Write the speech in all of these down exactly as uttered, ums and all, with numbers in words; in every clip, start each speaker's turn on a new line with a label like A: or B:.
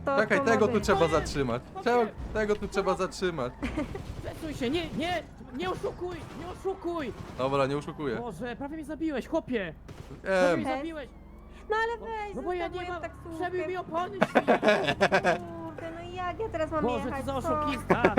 A: to
B: Czekaj,
A: pomogę.
B: tego tu trzeba
C: Chłopie,
B: zatrzymać.
C: chłopie.
B: Czego, tego tu trzeba zatrzymać.
C: Przesuń się, nie, nie, nie oszukuj, nie oszukuj!
B: Dobra, nie oszukuję.
C: Boże, prawie mnie zabiłeś, chłopie! Prawie mnie
B: Em,
C: zabiłeś!
A: No ale weź,
C: No bo ja nie
A: zostawiłem
C: mam,
A: taksówkę.
C: przebił mi opony, świnie.
A: Kurde, no jak ja teraz mam
C: Boże,
A: jechać?
C: co za
A: co?
C: oszukista!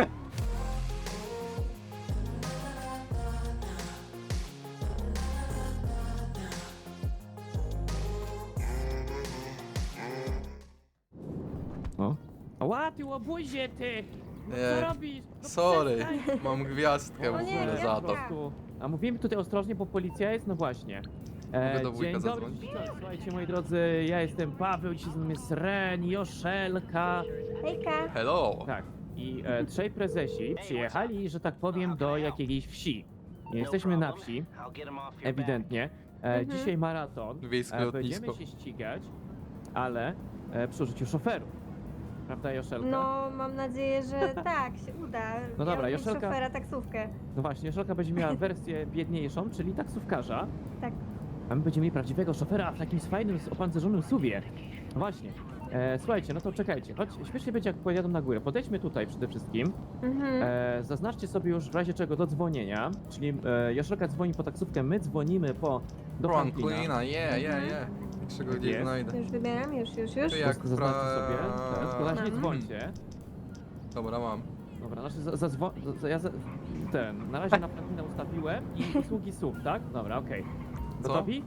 C: O? Ła, ty łobuzie, ty! No co
B: Nie,
C: robisz? No
B: sorry,
C: przestań.
B: mam gwiazdkę w
A: O nie,
B: ogóle
A: nie,
B: za
C: Po
B: to.
C: prostu. A mówimy tutaj ostrożnie, bo policja jest, no właśnie.
B: Mogę do wujka
C: dzień dobry,
B: zadzwonić?
C: dzień dobry. Słuchajcie, moi drodzy, ja jestem Paweł, dzisiaj z nami jest Ren, Joszelka.
A: Hejka.
B: Hello.
C: Tak, i e, trzej prezesi przyjechali, że tak powiem, do jakiejś wsi. Nie jesteśmy na wsi, ewidentnie. E,
A: Mhm.
C: Dzisiaj maraton.
B: Wiejskie
C: E, będziemy
B: lotnisko.
C: się ścigać, ale e, przy użyciu szoferów. Prawda, Joszelka?
A: No, mam nadzieję, że tak, się uda.
C: No dobra,
A: Miałam
C: Joszelka-
A: szofera taksówkę.
C: No właśnie, Joszelka będzie miała wersję biedniejszą, czyli taksówkarza.
A: Tak.
C: A my będziemy mieli prawdziwego szofera w takim fajnym, opancerzonym suwie. No właśnie. E, słuchajcie, no to czekajcie, choć śmiesznie będzie jak pojadą na górę. Podejdźmy tutaj przede wszystkim.
A: Mhm.
C: E, zaznaczcie sobie już w razie czego do dzwonienia, czyli e, Joszelka dzwoni po taksówkę, my dzwonimy po do Franklina.
B: Franklina, je, je, je. Czego gdzieś
C: Jest.
B: znajdę.
A: Już wybieram, już, już, już.
B: To jak
C: Zaznaczcie
B: pra-
C: sobie, teraz tylko na razie nie
A: Mam.
C: dzwońcie.
B: Dobra, mam.
C: Dobra, znaczy za, zadzwo- za, ja za, ten, na razie na Franklina ustawiłem i usługi S U V, tak? Dobra, okej.
B: Co?
C: Gotowi?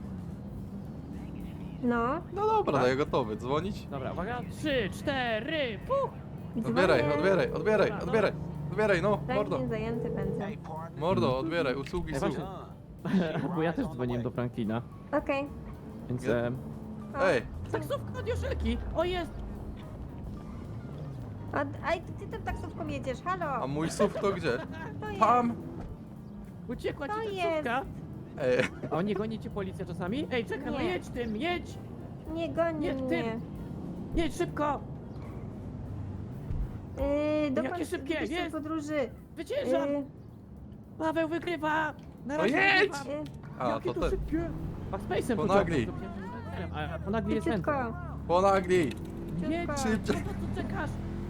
A: No.
B: No dobra, daję gotowy. Dzwonić?
C: Dobra, uwaga, trzy, cztery, puch!
B: Odbieraj,
A: dzwonię.
B: odbieraj, odbieraj,
C: Dobra, no.
B: odbieraj. Odbieraj, no, mordo.
A: Ręcznie zajęty będę.
B: Mordo, odbieraj, usługi
C: Ej,
B: są.
C: właśnie, bo ja też dzwoniłem do Franklina,
A: Okej.
C: więc...
B: Nie.
C: E,
A: O,
B: Ej,
C: taksówka od Joszelki! O, jest!
A: A, aj, to ty tą taksówką jedziesz, halo.
B: a mój S U V to gdzie?
A: To jest.
B: Tam!
C: Uciekła ci
A: To
C: taksówka!
B: Ej,
C: A nie goni cię policja czasami? Ej, czekaj, no
A: Nie.
C: jedź tym, jedź!
A: Nie goni
C: Nie w
A: mnie.
C: tym. Jedź szybko!
A: Yy, dokąd
C: Jakie szybkie,
A: idziesz w
C: jest.
A: podróży?
C: Wyciężam!
A: Yy,
C: Paweł wygrywa! Na
B: No
C: razie
B: jedź!
C: wygrywam.
A: yy,
B: a
C: Jakie
B: to
C: to
B: ten.
C: szybkie! Backspace'em
B: Ponagli.
C: to A ponagli jest
A: szybciutko.
C: ręką.
B: Ponagli!
C: Jedź!
B: Szybciej.
C: Po co tu czekasz?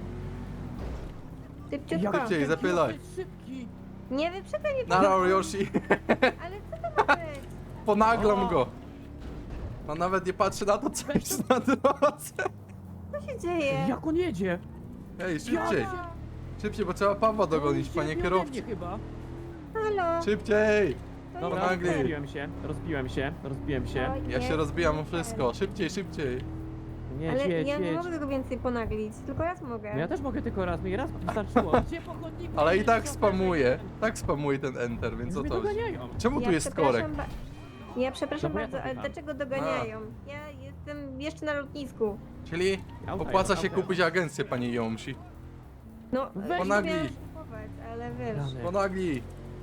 A: Szybciutko.
B: Szybciej,
C: Jaki
B: zapylaj.
C: on jest szybki!
A: Nie wyprzedzaj mnie,
B: Nara
A: Paweł.
B: Yoshi!
A: Ale co to ma być?
B: Ponaglam
C: O.
B: go! On nawet nie patrzy na to, co jest na drodze.
A: Co się dzieje?
C: Jak on jedzie?
B: Ej, szybciej!
C: Jadę.
B: Szybciej, bo trzeba Pawła dogonić,
C: On
B: panie
C: idzie ode mnie
B: kierowcy.
C: chyba.
A: Halo.
B: Szybciej!
A: To
C: Dobra,
A: jest
B: Ponagli.
A: ten.
C: rozbiłem się, rozbiłem się, rozbiłem się.
A: To
B: Ja
A: jest
B: się rozbijam o
A: ten.
B: wszystko. Szybciej, szybciej.
C: Jedź,
A: Ale
C: jedź,
A: ja nie
C: jedź.
A: mogę tego więcej ponaglić, tylko raz mogę.
C: No ja też mogę tylko raz, mi raz wystarczyło. Gdzie po chodniku?
B: Ale i
C: jedziesz,
B: tak
C: szofie?
B: spamuje. Tak spamuje ten enter, więc
C: Więc
B: o
C: mnie
B: to chodzi.
C: doganiają.
B: Czemu tu
A: Ja
B: jest
A: przepraszam
B: korek?
A: ba- Ja przepraszam
C: No bo ja
A: bardzo,
C: to
A: ale
C: pytam.
A: dlaczego doganiają? Ja jestem jeszcze na lotnisku.
B: Czyli
C: Auta
B: opłaca
C: jest,
B: się
C: auta.
B: kupić agencję, panie Jomsi.
A: No,
C: Weź
B: Ponagli.
A: miałam kupować, ale wiesz.
C: Rany.
B: Ponagli.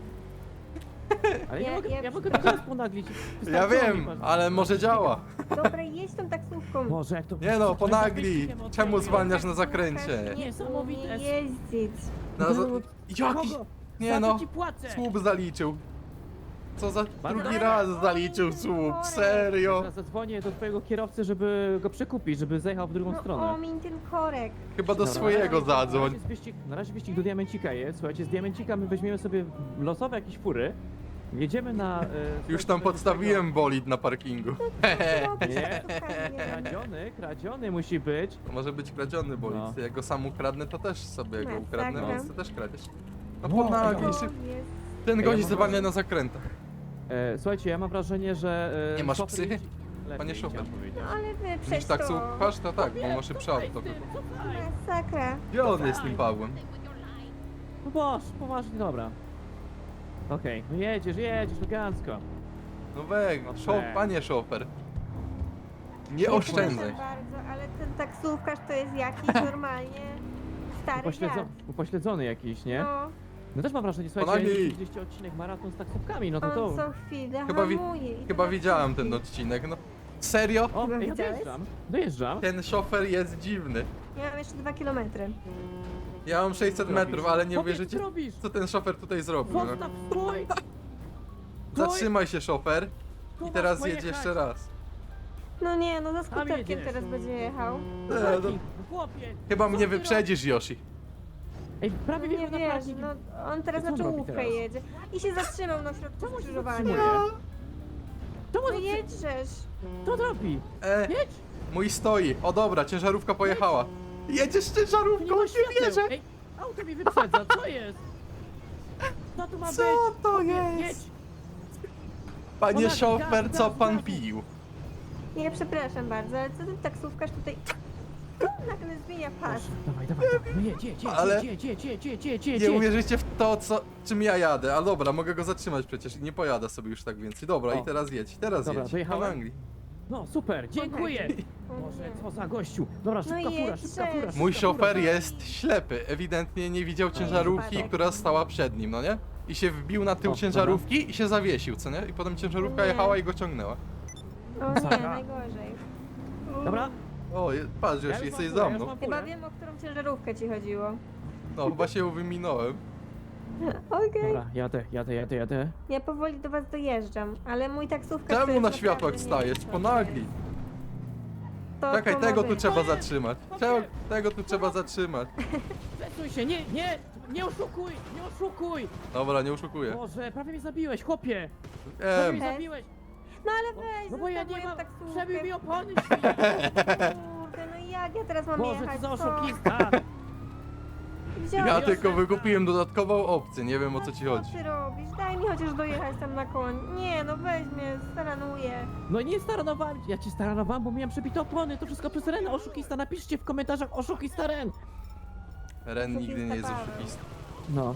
C: Ale ja,
A: Ja-
C: mogę,
A: ja
C: ja mogę
A: przepraszam.
C: teraz ponaglić.
B: Ja
C: Wystarczyło mi
B: wiem,
C: pan-
B: ale może działa.
A: Dobra, jedź tą taksówką.
C: Boże, jak to...
B: Nie no, ponagli. Czemu zwalniasz na
A: Taksówkarz
B: zakręcie?
A: Nie
C: Niesamowite.
A: umie jeździć.
B: Na za... Jaki?
C: Kogo?
B: Nie
C: Za
B: no,
C: co ci płacę?
B: słup zaliczył. Co za
C: Bardzo
B: drugi
C: dobrze.
B: raz zaliczył słup, serio?
C: Teraz zadzwonię do twojego kierowcy, żeby go przekupić, żeby zajechał w drugą
A: No
C: stronę.
A: omiń ten korek.
B: Chyba do
C: Dobra,
B: swojego
C: na razie- Na
B: zadzwoń.
C: razie, jest wyścig, na razie wyścig do Diamencika jest. Słuchajcie, z Diamencika my weźmiemy sobie losowe jakieś fury. Jedziemy na... E,
B: Już tam podstawiłem bolid na parkingu. Hehe.
A: Robisz
C: Nie.
A: taksówkami, nie?
C: Kradziony, kradziony musi być.
B: To może być kradziony bolid.
C: No.
B: Jak go sam ukradnę, to też sobie go
A: Masakra.
B: ukradnę, więc ty też kradzieś. No
C: Wow,
B: ponagli,
C: ej,
B: szyb...
A: To jest...
B: Ten
C: Ej,
B: gość
C: ja mam
B: zwalnia
C: wrażenie-
B: na zakrętach.
C: E, słuchajcie, ja mam wrażenie, że... E,
B: Nie masz
C: szofer
B: psychy?
C: jeździ- Lepiej,
B: Panie szofer.
C: chciałem powiedzieć.
A: No ale
B: Widzisz
A: wyprzedź
B: tak
A: to.
B: słuchasz? To tak, bo masz szybszy auto.
C: Cofaj z tym, cofaj.
A: Masakra.
B: Gdzie on jest z tym Pawłem?
C: No boż, poważnie, dobra. Okej, no jedziesz, jedziesz, elegancko.
B: No weg,
C: No
B: szof,
C: tak.
B: panie szofer. Nie
A: Przepraszam
B: oszczędzaj.
A: bardzo, ale ten taksówkarz to jest jakiś normalnie stary
C: Upośledzo
A: dziad.
C: upośledzony jakiś, nie?
A: No,
C: No też mam wrażenie, słuchajcie,
B: Ponagli.
C: jeśli widzieliście odcinek maraton z taksówkami, no to to...
A: on co chwilę
B: Chyba wi-
A: hamuje. i
B: Chyba
A: tak
B: widziałem
A: szybki.
B: ten odcinek, no. Serio?
C: O,
A: Chyba
C: ej, ja
A: widziałeś?
C: dojeżdżam, dojeżdżam.
B: Ten szofer jest dziwny.
A: Ja mam jeszcze dwa kilometry.
B: Ja mam sześćset
C: Co
B: metrów,
C: robisz?
B: ale nie
C: Chłopie,
B: uwierzycie,
C: co robisz?
B: co ten szofer tutaj zrobił. No.
C: Zostaw, stój! Stój!
B: Zatrzymaj się, szofer.
C: Tu
B: I
C: masz
B: teraz
C: pojechać.
B: jedź jeszcze raz.
A: No nie, no za
C: Tam
A: skuterkiem
C: jedziesz.
A: teraz będzie jechał.
B: E, no,
C: Taki, chłopie!
B: chyba
C: co
B: mnie
C: ty
B: wyprzedzisz, Yoshi.
C: robisz? Ej, prawie
A: Nie
C: wjechał na
A: wiesz,
C: parking.
A: no on teraz
C: Co on
A: na
C: robi
A: czołówkę
C: teraz?
A: jedzie. I się zatrzymał na środku
C: Czemu się
A: skrzyżowania.
C: zatrzymuje? Czemu
A: No
C: on
A: jedźesz.
C: Co on robi?
B: E,
C: Jedź!
B: mój stoi. O dobra, ciężarówka pojechała. Jedziesz z
C: Tu nie
B: ciężarówką,
C: ma
B: nie
C: świateł!
B: wierzę.
C: Ej, auto mi wyprzedza, co jest? Co tu ma
B: Co
C: być?
B: to
C: Chłopie,
B: jest?
C: Jedź!
B: Panie
C: Gaz,
B: szofer,
C: gaz,
B: co
C: gaz,
B: pan
C: gaz.
B: pił?
A: Nie, przepraszam bardzo, ale co ten taksówkarz tutaj nagle zmienia pas.
C: Proszę, dawaj, dawaj, dawaj, no jedź, jedź, jedź,
B: Ale-
C: jedź, jedź, jedź, jedź, jedź, jedź,
B: Nie
C: jedź.
B: uwierzycie w to, co, czym ja jadę. Ale dobra, mogę go zatrzymać przecież i nie pojada sobie już tak więcej. Dobra,
C: O.
B: i teraz jedź, teraz
C: Dobra,
B: jedź.
C: dojechałem?
B: Po Anglii.
C: No super, dziękuję!
A: O
C: Boże,
A: nie.
C: co za gościu! Dobra, szybka
A: No
C: fura, szybka
A: jedź,
C: fura,
A: jedź.
B: Mój
C: szybka fura.
B: szofer jest ślepy. Ewidentnie nie widział ciężarówki,
A: wypadek.
B: która stała przed nim, no nie? I się wbił na tył
C: O,
B: ciężarówki i się zawiesił, co nie? I potem ciężarówka
A: Nie.
B: jechała i go ciągnęła.
A: O nie,
C: Masakra.
A: najgorzej.
C: Dobra,
B: O, je- patrz,
C: ja
B: już
C: już
B: jesteś
C: mam
B: za
C: furę, ja już
B: mną.
C: mam
A: Chyba
C: furę.
A: wiem, o którą ciężarówkę ci chodziło.
B: No, chyba się ją wyminąłem.
A: Okej.
C: Dobra, jadę, jadę, jadę, jadę.
A: Ja powoli do was dojeżdżam, ale mój taksówkarz to
B: Czemu
A: jest
B: na światłach
A: naprawdę nie
B: stajesz?
A: wiem, co
B: Ponagli.
A: to
B: Czekaj,
A: to
B: tego
A: ma
B: tu
A: być.
B: trzeba
C: To jest-
B: zatrzymać.
C: to
B: Czemu,
C: nie.
B: tego tu trzeba zatrzymać.
C: Przesuń się, nie, nie, nie oszukuj, nie oszukuj!
B: Dobra, nie oszukuję.
C: Boże, prawie mnie zabiłeś, chłopie! Prawie
B: Em,
C: mnie zabiłeś!
A: No ale weź,
C: No bo ja
A: zostaw
C: nie
A: moją
C: mam,
A: taksówkę.
C: przebił mi opony, świnie!
A: Kurde, no i jak ja teraz mam
C: Boże,
A: jechać?
C: co za
A: Co?
C: oszukista!
A: Wziąłem.
B: ja
C: Joszelka.
B: tylko wykupiłem dodatkową opcję, nie wiem o co ci
A: No
B: chodzi.
A: Co ty robisz? Daj mi chociaż dojechać tam na koń. Nie, no weź mnie, staranuję.
C: No nie staranowałem, ja cię staranowałem, bo miałem przebite opony, to wszystko przez Ren, oszukista, napiszcie w komentarzach oszukista Ren!
B: Ren nigdy nie jest
A: Paweł.
B: oszukistą.
C: No,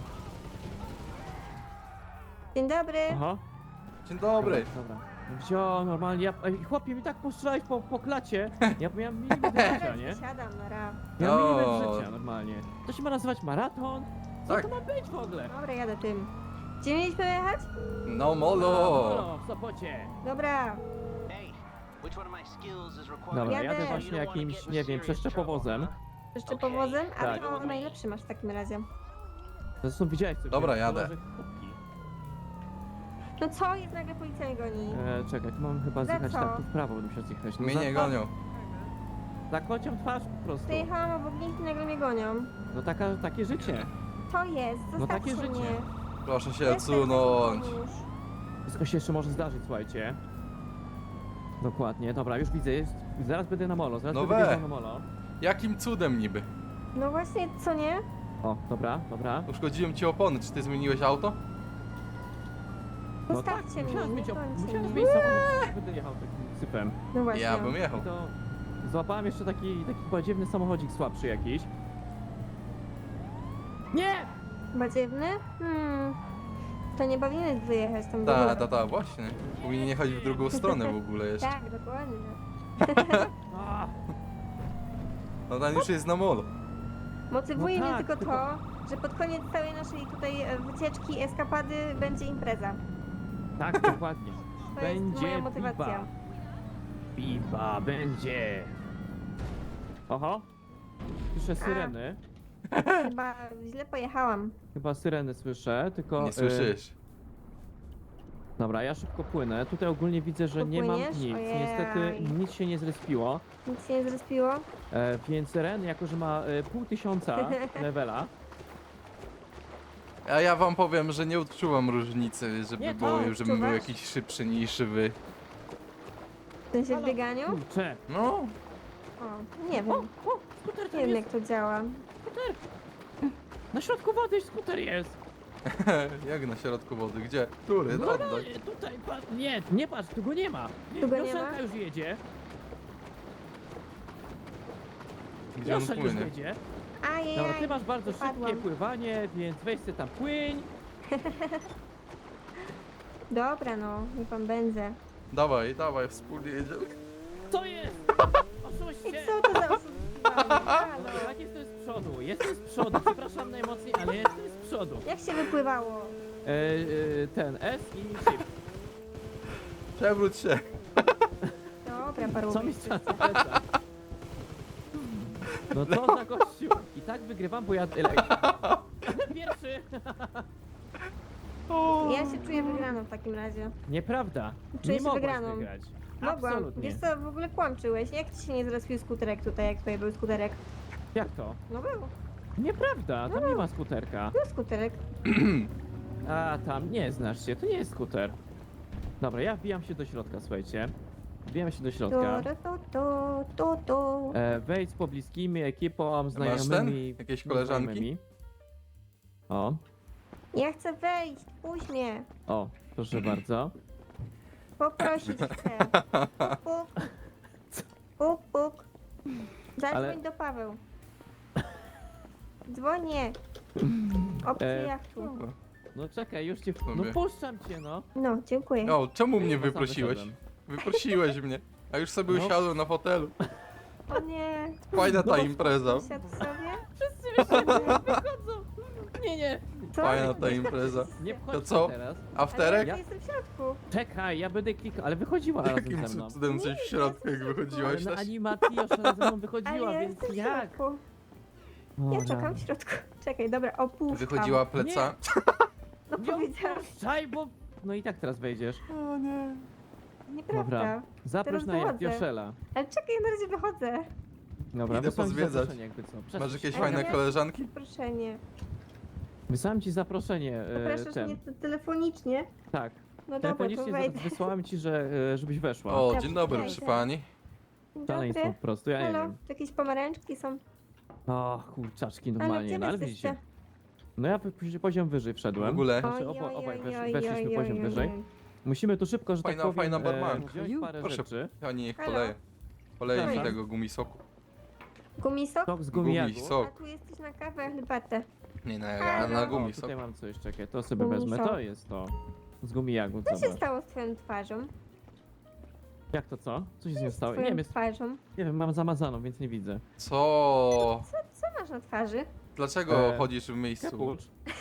A: Dzień dobry.
C: aha.
B: Dzień dobry.
C: Dobra. Wziął normalnie, ja, ej, chłopie mi tak postrzelałeś po, po klacie, ja miałem milimetr życia, nie?
A: Siadam na raf.
C: Miałem
B: O.
C: milimetr życia normalnie. To się ma nazywać maraton? Co
B: Tak.
C: to ma być w ogóle?
A: Dobra, jadę tym. Gdzie mieliśmy jechać?
B: No molo.
C: No, w Sopocie.
A: Dobra.
D: Hey, which one of my skills is required?
C: Dobra,
A: Jadę.
C: jadę właśnie jakimś, nie wiem, przeszczepowozem.
A: Jeszcze powozem? A
C: Tak.
A: to najlepszy masz w takim razie.
C: Zresztą widziałeś co
B: Dobra,
C: wziąłem,
B: jadę.
C: kolorze kubki.
A: No co jest, nagle policja mnie goni?
C: E, czekaj, tu mam chyba
A: Za
C: zjechać
A: co?
C: tak, tu w prawo będę musiał zjechać. No
B: Mnie
C: za-
B: nie gonią.
C: Za kocią twarz po prostu.
A: Przejechałam obok nich i nagle mnie gonią.
C: No taka, takie życie.
A: To jest, zostawcie
C: takie życie.
A: mnie.
B: Proszę się
A: Jestem,
B: odsunąć.
A: pomóż.
C: Wszystko się jeszcze może zdarzyć, słuchajcie. Dokładnie, dobra, już widzę, jest, zaraz będę na molo, zaraz
B: No
C: będę
B: we.
C: wjeżdżał na molo.
B: Jakim cudem niby?
A: No właśnie, co nie?
C: O, dobra, dobra.
B: Uszkodziłem ci opony, czy ty zmieniłeś auto?
C: No
A: Zostawcie mnie,
C: musiałem
A: nie
C: zmienić, op-
A: kończcie
C: musiałem
A: mnie.
C: zmienić samochód, będę jechał takim sypem.
A: No właśnie.
B: Ja bym
C: I
B: jechał.
C: to złapałem jeszcze taki, taki badziewny samochodzik słabszy jakiś. Nie!
A: Badziewny? Hmm. To nie powinieneś wyjechać tam w
B: Ta,
A: ogóle.
B: ta, ta, właśnie. Powinien jechać w drugą stronę w ogóle jeszcze.
A: Tak, dokładnie.
C: A,
B: No ten już jest na molo.
A: Motywuje
C: No
A: mnie
C: tak,
A: tylko
C: tylko-
A: to, że pod koniec całej naszej tutaj e, wycieczki, eskapady będzie impreza.
C: tak, dokładnie.
A: To jest
C: Będzie
A: moja motywacja.
C: piwa. Piwa będzie. Oho. Słyszę syreny.
A: Chyba źle pojechałam.
C: Chyba syreny słyszę, tylko...
B: Nie
C: y,
B: słyszysz.
C: Dobra, ja szybko płynę. Tutaj ogólnie widzę, że nie mam
A: Popłyniesz?
C: nic.
A: Ojej.
C: Niestety nic się nie zrespiło.
A: Nic się nie zrespiło?
C: E, więc Ren, jako że ma e, pół tysiąca levela,
B: A ja wam powiem, że nie odczuwam różnicy, żeby
C: Nie, to
B: było, żebym był
A: odczuwasz?
B: jakiś szybszy niż wy.
A: W sensie w
C: Halo?
A: bieganiu?
C: kurczę.
B: No,
A: O, nie wiem.
C: O, o, skuter
A: Nie
C: tam
A: wiem
C: jest.
A: jak to działa.
C: Skuter. Na środku wody skuter jest.
B: jak na środku wody, gdzie? Który?
C: No,
B: No,
C: no,
B: oddaj.
C: tutaj, patrz, nie, nie patrz, tu go nie ma.
A: Tu go nie
C: Joszelka
A: ma?
C: już jedzie.
B: Gdzie on
C: Joszel już
B: płynie?
C: jedzie.
A: Ajajaj.
C: Dobra, ty masz bardzo
A: wypadłam.
C: szybkie pływanie, więc weź sobie tam płyń.
A: Dobra no, nie pan będę.
B: Dawaj, dawaj, wspólnie jedziemy.
C: Co jest? Oszuście.
A: I co to za oszukiwanie? Halo.
C: Tak, jestem z przodu, jestem z przodu, przepraszam najmocniej, ale jestem z przodu.
A: Jak się wypływało?
C: E, e, ten S i shift.
B: Przewróć się.
A: Dobra, paru.
C: Co mi strzela na plecach? No co za gościu? I tak wygrywam, bo ja... Pierwszy!
A: Ja się czuję wygraną w takim razie.
C: Nieprawda.
A: Czuję
C: Nie
A: się
C: mogłaś
A: wygraną.
C: wygrać.
A: Mogłam.
C: Absolutnie.
A: Wiesz co, w ogóle kłamczyłeś. Jak ci się nie zrespił skuterek tutaj, jak tutaj był skuterek?
C: Jak to?
A: No był.
C: Nieprawda, tam nie ma skuterka.
A: Był skuterek.
C: A tam nie znasz się, to nie jest skuter. Dobra, ja wbijam się do środka, słuchajcie. Wbijam się do
A: To,
C: środka.
A: to, to, to, to.
C: E, wejdź z pobliskimi ekipą,
B: ten?
C: znajomymi.
B: Jakieś koleżanki?
C: znajomymi. O,
A: Ja chcę wejść, puść mnie.
C: o, proszę bardzo.
A: Poprosić chcę. Puk, puk. Puk, puk. Zadzwoń
C: Ale-
A: do Paweł. Dzwonię. Opcję
C: E,
A: jachtu.
C: No czekaj, już cię. No
B: Sobie.
C: puszczam cię, no.
A: No, dziękuję.
B: O, czemu mnie
C: Ja sam
B: wyprosiłeś?
C: wyszedłem.
B: Wyprosiłeś mnie. A już sobie
C: No.
B: usiadłem na fotelu.
A: O nie.
B: Fajna ta
C: No.
B: impreza.
A: Usiadł sobie?
C: Wszyscy wychodzą, wychodzą. Nie, nie.
A: Co?
B: Fajna ta impreza.
C: Nie
B: To
C: wchodź
B: co?
C: teraz.
B: Afterek?
A: Ja jestem w środku.
C: Czekaj, ja będę klikał, ale wychodziła razem
B: Jakim
C: ze mną.
B: cudem coś w środku, jak
C: Ale
B: wychodziłaś
C: na
B: też?
C: animacji już razem ze mną
A: Ale
C: wychodziła,
A: ja
C: więc
A: jestem w
C: jak?
A: środku.
C: O,
A: Ja
C: rany.
A: czekam w środku. Czekaj, dobra, opuszczam.
B: Wychodziła pleca.
A: No
C: Nie
A: powiedziałam.
C: opuszczaj, bo... No i tak teraz wejdziesz.
B: O nie.
A: Nieprawda.
C: Dobra. Zaproś
A: Teraz
C: na
A: wychodzę.
C: Joszela.
A: Ale czekaj, ja na razie wychodzę.
C: Dobra,
B: Idę
C: wysłałem ci
B: pozwiedzać.
C: zaproszenie jakby co. Przesuń
B: Masz
C: się.
B: jakieś
A: Ale
B: fajne
A: ja-
B: koleżanki?
A: Proszenie.
C: Wysłałem ci zaproszenie, e,
A: Zapraszasz
C: ten.
A: mnie te- telefonicznie?
C: Tak.
A: No dobra, to
C: Telefonicznie
A: wejdę.
C: za- wysłałem ci, że, e, żebyś weszła.
B: O,
A: Ja
B: dzień dobry,
A: wejdę.
B: przy pani.
A: Dzień
C: Szaleństwo po
A: dobry.
C: prostu, ja nie
A: Halo,
C: wiem.
A: jakieś pomarańczki są.
C: O, kurczaczki
A: Ale
C: normalnie,
A: gdzie
C: no ale
A: wy
C: widzicie.
A: jesteście?
C: No ja p- poziom wyżej
B: W
C: wszedłem.
B: ogóle.
C: Znaczy,
A: Oj,
C: obo,
A: oj,
C: obaj
A: oj,
C: wesz,
A: oj,
C: weszliśmy
A: oj,
C: poziom
A: oj,
C: wyżej.
A: oj.
C: Musimy tu szybko, że
B: Fajna-
C: tak powiem,
B: fajna barmanka.
C: e, wziąć parę
B: Proszę.
C: rzeczy.
B: Ja niech
A: Halo.
B: poleję. Poleję mi
C: Przepraszam.
B: tego gumisoku.
A: Gumisok?
C: Sok z
B: Gumi,
C: gumijagu.
A: A
B: sok.
A: tu jesteś na kawę, herbatę.
B: Nie, na,
A: Halo.
B: na
C: O,
B: gumisok.
C: tutaj mam coś, czekaj, to sobie
A: Gumisok.
C: wezmę, to jest to. Z gumijagu,
A: Co się
C: zobacz.
A: stało z twoją twarzą?
C: Jak to co? Co się z nią
A: Z
C: stało? Nie
A: twoją
C: wiem, jest,
A: twarzą?
C: nie wiem, mam zamazaną, więc nie widzę.
B: Co?
A: Co, co masz na twarzy?
B: Dlaczego
C: E,
B: chodzisz w miejscu?
C: Kapucz.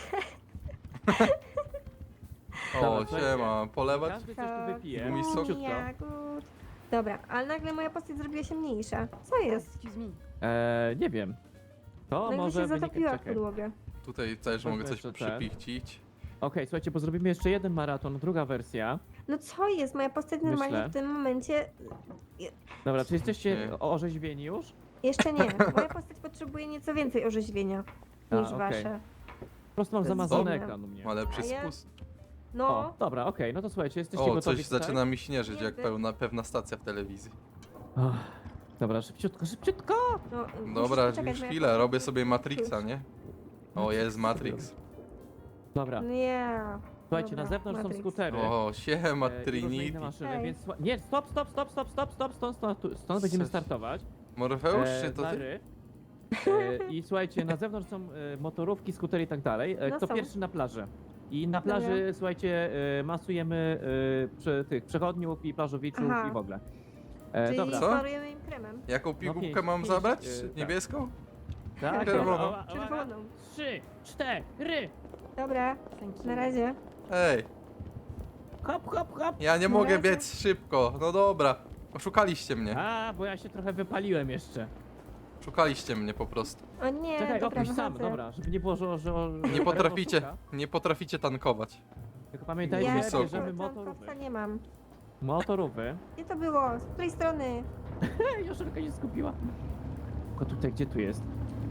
B: O,
C: Dobra, słuchajcie.
B: siema. Polewać?
C: Każdy coś tu wypije.
B: Gumi sok?
C: Szybciutko.
A: Jagód. Dobra, ale nagle moja postać zrobiła się mniejsza. Co jest?
C: Eee, nie wiem. To
A: Nagle
C: może
A: się
C: wynikać,
A: zatopiła w
C: czekaj.
A: podłogę.
B: Tutaj też
C: Weźmy
B: mogę coś
C: jeszcze ten.
B: przypichcić.
C: Okej, słuchajcie, bo zrobimy jeszcze jeden maraton, druga wersja.
A: No co jest? Moja postać normalnie
C: Myślę.
A: w tym momencie...
C: Dobra, czy jesteście
B: Nie.
C: orzeźwieni już?
A: Jeszcze nie. Moja postać potrzebuje nieco więcej orzeźwienia
C: A,
A: niż
C: okej.
A: wasze.
C: Po prostu mam
A: To jest
C: zamazany
A: dziwne.
C: ekran u mnie.
B: Ma lepszy
A: A ja-
B: spust.
A: No,
C: O, dobra, okej, no to słuchajcie, jesteście
B: O,
C: gotowi
B: coś
C: tutaj?
B: zaczyna mi śnieżyć, jak
A: Niby.
B: pełna, pewna stacja w telewizji.
C: Ach, dobra, szybciutko, szybciutko!
A: no
B: Dobra,
A: musisz poczekać,
B: już
A: moja
B: chwilę,
A: postać-
B: robię sobie Matrixa, nie? O, jest Matrix.
C: Dobra,
A: Nie.
C: słuchajcie,
A: Dobra,
C: na zewnątrz
A: Matrix.
C: są skutery.
B: O, siema
C: e, i różne inne
B: Trinity.
C: maszyny,
A: Hej.
C: więc słucha- nie, stop, stop, stop, stop, stop, stop, stop, stąd, stąd, stąd będziemy
B: Coś.
C: startować.
B: Morfeusz,
C: E,
B: czy to ty?
C: Mary. E, I słuchajcie, na zewnątrz są e, motorówki, skutery i tak dalej. E,
A: No
C: Kto
A: są.
C: pierwszy na plaży? I na plaży, słuchajcie, e, masujemy e, przy tych przechodniów i plażowiczów
A: Aha.
C: i w ogóle. E,
A: Czyli
C: dobra.
B: Co?
A: smarujemy im kremem.
B: Jaką pigułkę
C: pięć,
B: mam
C: pięć,
B: zabrać?
C: e, tak.
B: Niebieską?
C: Tak,
B: Czerwoną.
C: dobra, uwaga, uwaga.
A: Czerwoną.
C: Trzy, cztery.
A: Dobra, na razie.
B: Ej,
C: Hop, hop, hop.
B: ja nie
A: Na
B: mogę
A: razie.
B: biec szybko. No dobra. Oszukaliście mnie.
C: A, bo ja się trochę wypaliłem jeszcze.
B: Szukaliście mnie po prostu.
A: O nie,
C: Czekaj,
A: dobra,
C: opuść sam,
A: wychodzę.
C: dobra, żeby nie było, że... że
B: Nie potraficie, nie potraficie tankować.
C: Tylko pamiętajcie,
A: Ja
B: Wysoko.
C: bierzemy
A: tankowca
C: motorówki.
A: nie mam.
C: Motorówki.
A: Gdzie to było? Z której strony?
C: Ej, Joszelka się skupiła. Tylko tutaj, gdzie tu jest?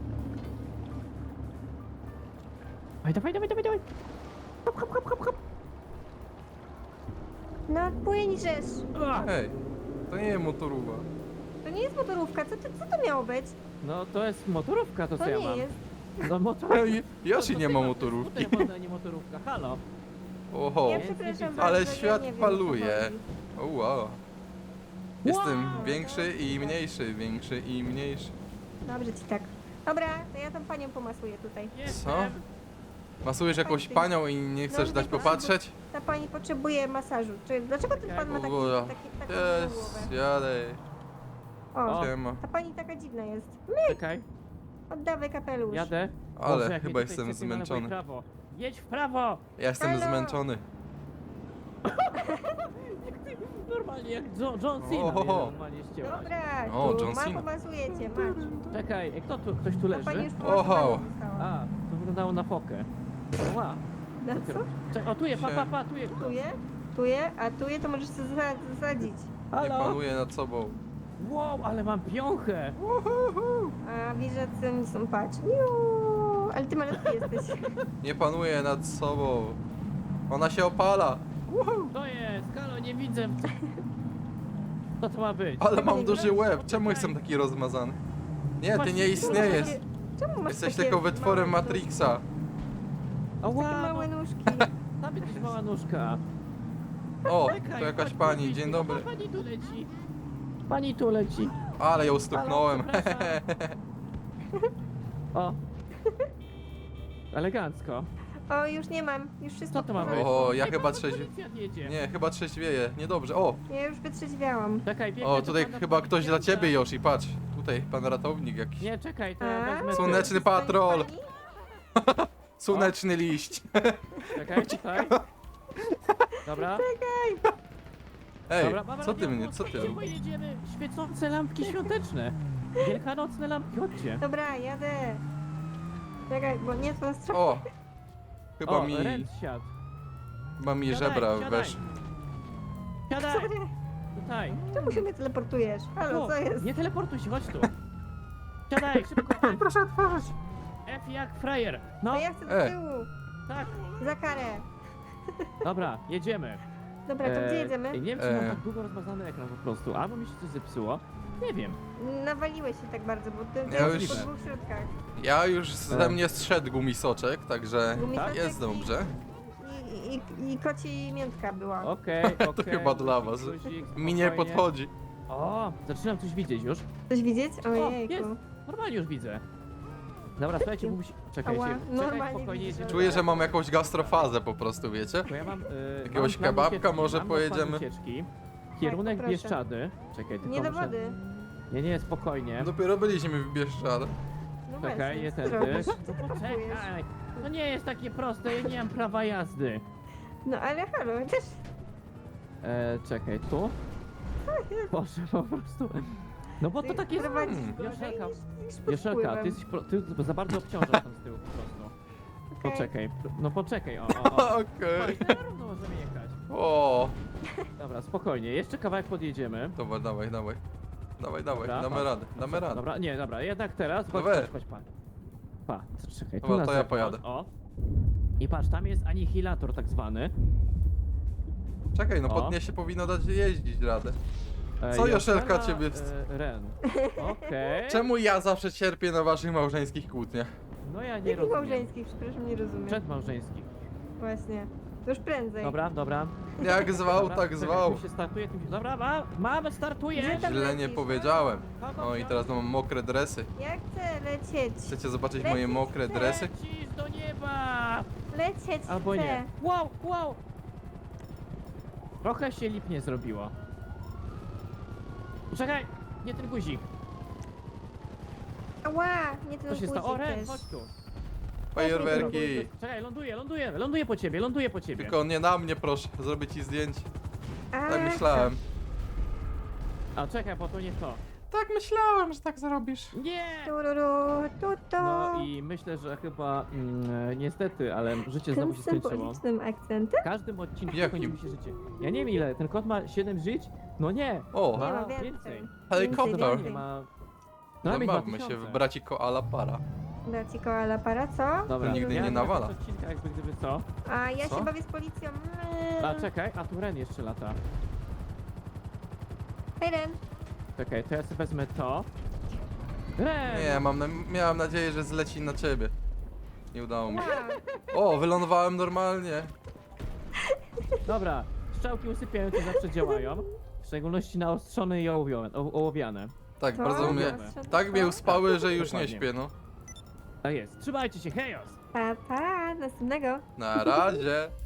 C: Dawaj, dawaj, dawaj, dawaj, dawaj. Hop, hop, hop, hop, hop.
A: No płyń żeż.
C: Ua!
B: Ej, to nie jest motorówa.
A: To nie jest motorówka, co to, co to miało być?
C: No to jest motorówka, to co
A: To
C: ja
A: nie
C: mam.
A: jest.
C: No motorówka.
B: Ej, Yoshi
C: To
B: nie
C: ty
B: ma
C: masz,
B: motorówki.
C: To jest skuter, nie motorówka, halo.
B: Oho,
A: Ja
C: Więc nie
A: przepraszam
C: widzę.
B: Ale
A: bardzo, ja
B: świat
A: nie wiem, o co
B: faluje.
A: chodzi.
B: o wow. Jestem
C: Wow.
B: większy i mniejszy, większy i mniejszy.
A: Dobrze ci tak. Dobra, to ja tam panią pomasuję tutaj.
C: Jestem.
B: Masujesz jakąś panią i nie chcesz
A: No,
B: dać
A: nie
B: popatrzeć?
A: Ta pani potrzebuje masażu. Czy, dlaczego ten pan ma taki,
B: Dobra.
A: taki, taką
B: Jest,
A: głowę?
B: jadę.
A: O,
C: O.
B: Siema.
A: ta pani taka dziwna jest.
C: Czekaj,
A: Oddawaj kapelusz.
C: jadę.
B: Ale
C: Boże, jak
B: chyba
C: mnie tutaj
B: jestem
C: sypie na lewo i
B: zmęczony.
C: prawo. Jedź w prawo.
B: Ja jestem
A: Halo.
B: zmęczony.
C: Normalnie jak John, John Cena
B: Ohoho.
C: mnie normalnie ścięłaś.
A: Dobra,
B: O,
A: tu,
B: John
A: ma
B: Cena.
A: pomasuję cię, masz.
C: Czekaj, e, kto tu, ktoś tu
A: Ta pani
C: leży?
A: już
B: Oho.
A: pomasowana została.
C: A, to wyglądało na fokę. Ła.
A: Na co?
C: Czekaj, o tu je, pa, pa, pa, tu je kto.
A: Tu je, tu je, a tu je to możesz sobie zasa- zasadzić.
B: Nie
C: Halo?
B: panuję nad sobą.
C: Wow, ale mam piąchę!
A: A widzę, co oni są, patrz. Juuu, ale ty malutki jesteś.
B: Nie panuję nad sobą. Ona się opala.
C: To jest, halo, nie widzę. Co to ma być?
B: Ale
A: Tego
B: mam
A: nie
B: duży
A: widać.
B: łeb. Czemu jestem taki rozmazany? Nie, ty
C: Właśnie,
B: nie istniejesz.
A: Czemu masz
B: Jesteś
A: takie
B: tylko wytworem
A: małe
B: Matrixa.
C: Ała,
A: Takie małe
C: no,
A: nóżki.
C: tam jesteś mała nóżka.
B: O,
C: Czekaj,
B: to jakaś
C: chodź,
B: pani,
C: wyjść.
B: dzień
C: O,
B: dobry.
C: Pani tu leci. Pani tu leci.
B: Ale ją stuknąłem.
C: Halo, przepraszam. O. Elegancko.
A: O, już nie mam. Już wszystko
C: Co to ma
A: w
C: być?
A: porządku.
B: O, ja
C: Ej,
B: chyba
C: pan
B: trzeźwi...
C: policjant jedzie.
B: Nie, chyba trzeźwieję. Niedobrze. O,
A: Ja już wytrzeźwiałam.
C: Czekaj, biegnę
B: o,
C: do
B: tutaj
C: pana
B: chyba ktoś dla
C: policjanta.
B: ciebie, Yoshi, patrz. Tutaj pan ratownik jakiś.
C: Nie, czekaj, to
A: A?
C: ja wezmę...
B: Słoneczny
A: Stoi
B: patrol.
A: pani?
B: Słoneczny liść.
C: Czekaj, tutaj. Dobra.
B: Ej,
C: Dobra, mamy
B: co ty
C: radio,
B: mnie, co ty
C: szybko
B: robisz?
C: jedziemy. Świecące lampki świąteczne. Wielkanocne lampki, chodźcie.
A: Dobra, jadę. Czekaj, bo nie to strzał.
B: O! Chyba
C: O,
B: mi,
C: Ren siadł.
B: chyba mi
C: Siadaj,
B: żebra
C: siadaj.
B: wesz.
C: Siadaj,
A: Sorry.
C: tutaj.
A: Czemu się mnie teleportujesz? Halo,
C: Tu,
A: co jest?
C: nie teleportuj się, chodź tu. Siadaj, szybko. F,
B: Proszę otworzyć.
C: F jak frajer. No,
A: No ja chcę do
B: E.
A: tyłu.
C: tak.
A: Za karę.
C: Dobra, jedziemy.
A: Dobra, to gdzie
C: E,
A: jedziemy?
C: Nie wiem, czy
B: E.
C: mam tak długo rozmazany ekran po prostu, albo mi się coś zepsuło. Nie wiem.
A: Nawaliłeś się tak bardzo, bo ty
B: Ja
A: jesteś
B: już-
A: po dwóch środkach.
B: Ja już
C: E.
B: ze mnie zszedł gumisoczek, także
A: Gumisoczek
B: jest
A: i-
B: dobrze.
A: I, i, i koci miętka była.
C: Okej, okej.
B: chyba dla was.
C: Guzik,
B: Mi nie
C: spokojnie.
B: podchodzi.
C: O, zaczynam coś widzieć już.
A: Coś widzieć?
C: O,
A: Ojejku.
C: jest. Normalnie już widzę. Dobra, słuchajcie, bo musi... Czekajcie,
A: Ała,
C: czekaj,
A: normalnie
C: spokojnie
A: widzisz,
C: jedziemy.
B: Czuję, że mam jakąś gastrofazę po prostu, wiecie?
C: Bo ja mam... Yy,
B: Jakiegoś
C: mam plan
B: kebabka
C: ucieczki,
B: może
C: mam plan
B: pojedziemy?
C: ucieczki. Kierunek
A: poproszę.
C: Bieszczady. Czekaj, tylko
A: Nie do
C: muszę...
A: wody.
C: Nie, nie, spokojnie.
B: Dopiero byliśmy w Bieszczadach.
A: No
C: Czekaj,
A: właśnie,
C: nie
A: co ty
C: tędy.
A: robisz? Co ty
C: No
A: próbujesz?
C: poczekaj. To nie jest takie proste, ja nie mam prawa jazdy.
A: No ale halo, też...
C: E, czekaj, tu? Boże, po prostu. No bo to
A: ty
C: tak jest...
A: prowadzisz
B: Hmm.
A: gorzej
C: Joszelka,
A: niż- niż pod
C: Joszelka,
A: wpływem.
C: ty, jesteś pro, ty za bardzo obciążasz tam z tyłu po prostu.
A: Okej.
C: Poczekaj, no poczekaj, o, o, o.
B: Okej.
C: Oj, na równo możemy jechać.
B: O,
C: Dobra, spokojnie, jeszcze kawałek podjedziemy.
B: dobra, dawaj, dawaj. Dawaj, dawaj,
C: Dobra,
B: damy
C: o.
B: radę, damy radę.
C: Dobra, nie, dobra, jednak teraz, chodź,
B: No weź.
C: chodź, chodź, pa. Pa, czekaj, tu
B: Dobra,
C: na
B: to ja
C: zewnątrz,
B: pojadę.
C: O. I patrz, tam jest anihilator tak zwany.
B: Czekaj, no
C: O.
B: pod nie się powinno dać jeździć radę.
C: E,
B: Co, Joszelka,
C: Joszela,
B: ciebie wst-
C: E, Ren. Okej.
B: Czemu ja zawsze cierpię na waszych małżeńskich kłótniach?
C: No ja nie
A: Jakich
C: rozumiem.
A: małżeńskich? Przepraszam, nie rozumiem.
C: Przedmałżeńskich.
A: Właśnie. To już prędzej.
C: Dobra, dobra.
B: Jak zwał,
C: dobra.
B: tak
C: Czekaj,
B: zwał.
C: tu się startuje, tu się... Dobra, ma, mamy, startuje!
A: Gdzie tam
B: Źle nie
A: lecisz?
B: powiedziałem.
C: Kogo
B: O i
C: wziąć?
B: teraz mam mokre dresy.
A: Ja chcę lecieć.
B: Chcecie zobaczyć moje mokre dresy?
C: Lecisz do nieba!
A: Lecieć
C: Albo
A: chcę.
C: nie. Wow, wow! Trochę się lipnie zrobiło. Czekaj, nie ten guzik.
A: Ała, nie ten
C: Co się stało? O,
A: guzik
C: Ren,
A: też.
C: chodź tu.
B: Fajerwerki.
C: Czekaj, ląduję, ląduję, ląduję po ciebie, ląduję po ciebie.
B: Tylko nie na mnie, proszę. Zrobię ci zdjęcie.
A: A,
B: Tak myślałem.
C: A czekaj, bo to nie to.
B: Tak myślałem, że tak zrobisz.
C: Nie!
A: Tururu, tuto.
C: No i myślę, że chyba mm, niestety, ale życie
A: Tym
C: znowu się skończyło.
A: symbolicznym akcentem?
C: W każdym odcinku
B: Jakim?
C: kończy mi się życie. Ja nie wiem ile, ten kot ma siedem żyć? No nie!
B: O,
A: Nie
C: Ma
A: ma więcej.
C: więcej.
B: helikopter.
C: Normalnie ma... Normalnie ma
B: Zabawmy się
C: tysiące.
B: w braci koala para.
A: Braci koala para, co?
C: Dobra,
B: nigdy
C: ja
B: nie
C: na
B: nawala.
C: tych odcinkach jakby gdyby co.
A: A ja
B: Co?
A: się bawię z policją.
C: A czekaj, a tu Ren jeszcze lata.
A: Hej Ren.
C: Czekaj, to ja sobie wezmę to. Ren!
B: Nie, mam na, miałem nadzieję, że zleci na ciebie. Nie udało mi się.
A: Wow.
B: O, wylądowałem normalnie.
C: Dobra, strzałki usypiające zawsze działają. W szczególności naostrzone i ołowione. o- ołowiane.
B: Tak,
A: Co?
B: bardzo mnie...
A: Zastrzelone
B: Tak mnie
A: co?
B: uspały, że już nie
C: Dokładnie.
B: śpię, no.
C: Tak jest. Trzymajcie się, hejos!
A: Pa, pa, następnego.
B: Na razie.